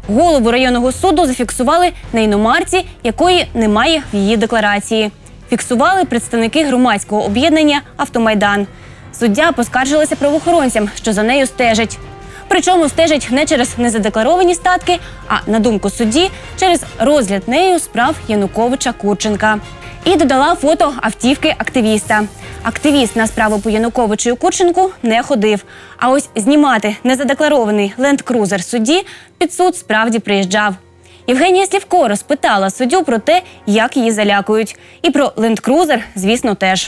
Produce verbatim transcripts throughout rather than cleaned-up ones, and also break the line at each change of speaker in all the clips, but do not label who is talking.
Голову районного суду зафіксували на іномарці, якої немає в її декларації. Фіксували представники громадського об'єднання «Автомайдан». Суддя поскаржилася правоохоронцям, що за нею стежать. Причому стежать не через незадекларовані статки, а, на думку судді, через розгляд нею справ Януковича-Курченка. І додала фото автівки активіста. Активіст на справу по Януковичу і Курченку не ходив. А ось знімати незадекларований ленд-крузер судді під суд справді приїжджав. Євгенія Слівко розпитала суддю про те, як її залякують. І про ленд-крузер, звісно, теж.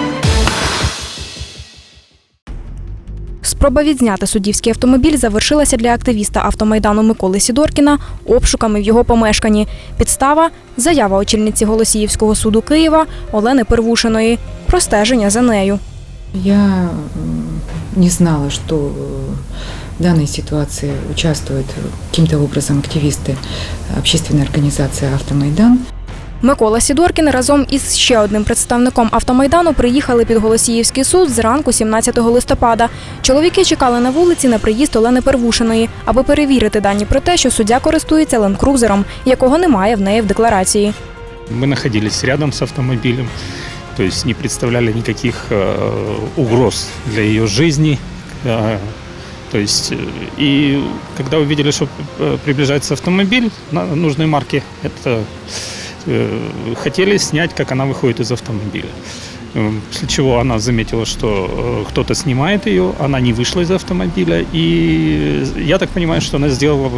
Спроба відзняти суддівський автомобіль завершилася для активіста автомайдану Миколи Сідоркіна обшуками в його помешканні. Підстава – заява очільниці Голосіївського суду Києва Олени Первушиної про стеження за нею.
Я не знала, что в данной ситуации участвуют каким-то образом активисты общественной организации «Автомайдан».
Микола Сідоркін разом із ще одним представником автомайдану приїхали під Голосіївський суд зранку сімнадцятого листопада. Чоловіки чекали на вулиці на приїзд Олени Первушиної, аби перевірити дані про те, що суддя користується ленд-крузером, якого немає в неї в декларації.
Мы находились рядом с автомобилем, то есть не представляли никаких э, угроз для ее жизни. Э, то есть, и когда увидели, что приближается автомобиль на нужной марки, это хотели снять, как она выходит из автомобиля. После чего она заметила, что кто-то снимает ее, она не вышла из автомобиля. И я так понимаю, что она сделала,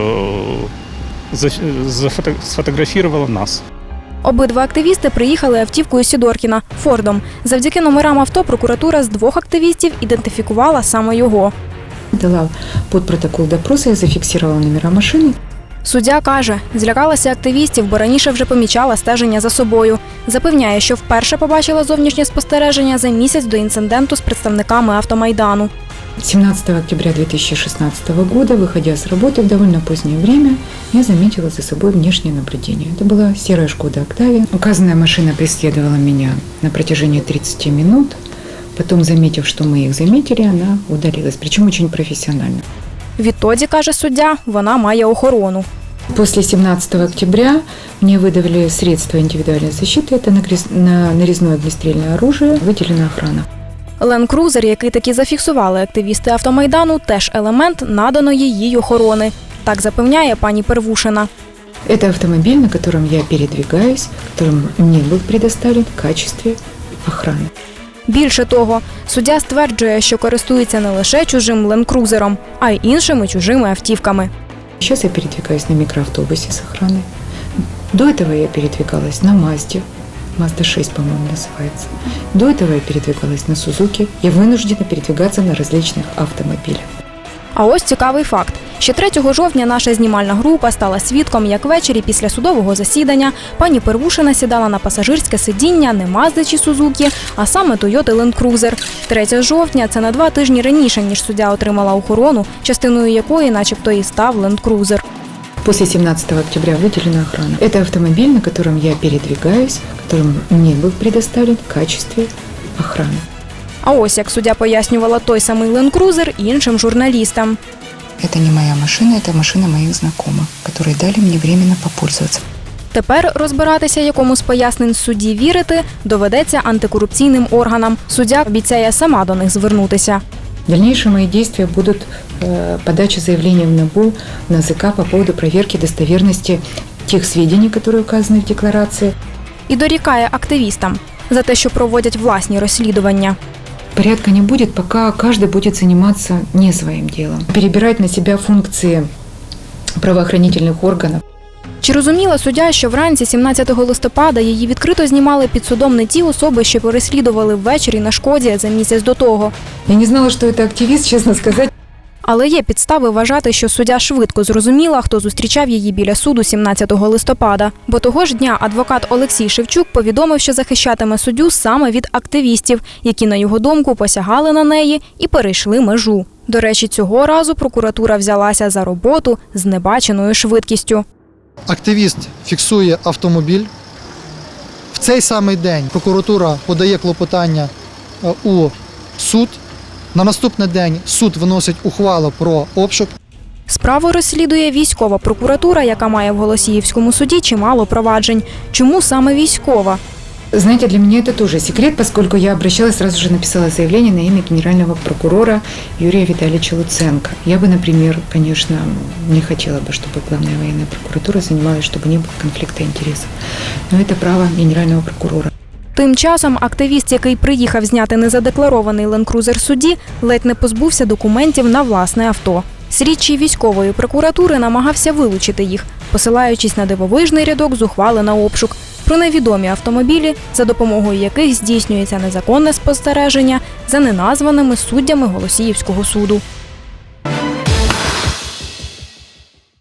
сфотографировала нас.
Обидва активісти приїхали автівкою Сідоркіна – Фордом. Завдяки номерам авто прокуратура з двох активістів ідентифікувала саме його.
Дала під протокол допросу, я зафіксувала номера машини.
Суддя каже, злякалася активістів, бо раніше вже помічала стеження за собою. Запевняє, що вперше побачила зовнішнє спостереження за місяць до інциденту з представниками автомайдану.
семнадцатого октября две тысячи шестнадцатого года, выходя с работы в довольно позднее время, я заметила за собой внешнее наблюдение. Это была серая Шкода Октавия. Указанная машина преследовала меня на протяжении тридцати минут. Потом, заметив, что мы их заметили, она удалилась, причем очень профессионально.
Відтоді, каже суддя, вона має охорону.
После семнадцатого октября мне выдавали средства индивидуальной защиты. Это нарезное огнестрельное оружие, выделена охрана.
Ленд-крузер, який таки зафіксували активісти автомайдану, теж елемент наданої їй охорони. Так запевняє пані Первушина.
Это автомобиль, на котором я передвигаюсь, которым мне был предоставлен в качестве охраны.
Більше того, суддя стверджує, що користується не лише чужим ленд-крузером, а й іншими чужими автівками.
Сейчас я передвигаюсь на микроавтобусе с охраной. До этого я передвигалась на Мазде. Мазда шесть, по-моему, называется. До этого я передвигалась на Сузуки. Я вынуждена передвигаться на различных автомобилях.
А ось цікавий факт. Ще третього жовтня наша знімальна група стала свідком, як ввечері після судового засідання пані Первушина сідала на пасажирське сидіння не Мазди чи Сузуки, а саме Тойоти Ленд-крузер. третього жовтня – це на два тижні раніше, ніж суддя отримала охорону, частиною якої начебто і став Ленд-крузер.
После семнадцатого октября выделена охрана. Это автомобиль, на котором я передвигаюсь, которым мне был предоставлен в качестве охраны.
А ось як суддя пояснювала той самий ленд-крузер іншим журналістам.
Это не моя машина, это машина моих знакомых, которые дали мне временно попользоваться.
Тепер розбиратися, якому з пояснень судді вірити, доведеться антикорупційним органам. Суддя обіцяє сама до них звернутися.
Дальнейшие мои действия будут э, подача заявления в НАБУ, в НАЗК по поводу проверки достоверности тех сведений, которые указаны в декларации.
І дорікає активістам за те, що проводять власні розслідування.
Порядка не будет, пока каждый будет заниматься не своим делом. Перебирать на себя функции правоохранительных органов.
Чи розуміла суддя, що вранці сімнадцятого листопада її відкрито знімали під судом не ті особи, що переслідували ввечері на Шкоді за місяць до того?
Я не знала, що це активіст, чесно сказати.
Але є підстави вважати, що суддя швидко зрозуміла, хто зустрічав її біля суду сімнадцятого листопада. Бо того ж дня адвокат Олексій Шевчук повідомив, що захищатиме суддю саме від активістів, які, на його думку, посягали на неї і перейшли межу. До речі, цього разу прокуратура взялася за роботу з небаченою швидкістю.
Активіст фіксує автомобіль. В цей самий день прокуратура подає клопотання у суд. На наступний день суд виносить ухвалу про обшук.
Справу розслідує військова прокуратура, яка має в Голосіївському суді чимало проваджень. Чому саме військова?
Знаете, для меня это тоже секрет, поскольку я обращалась, сразу же написала заявление на имя генерального прокурора Юрия Витальевича Луценко. Я бы, например, конечно, не хотела бы, чтобы главная военная прокуратура занималась, чтобы не было конфликта интересов. Но это право генерального прокурора.
Тим часом активіст, який приїхав зняти незадекларований ленд-крузер судді, ледь не позбувся документів на власне авто. Слідчий військової прокуратури намагався вилучити їх, посилаючись на дивовижний рядок з ухвали на обшук про невідомі автомобілі, за допомогою яких здійснюється незаконне спостереження за неназваними суддями Голосіївського суду.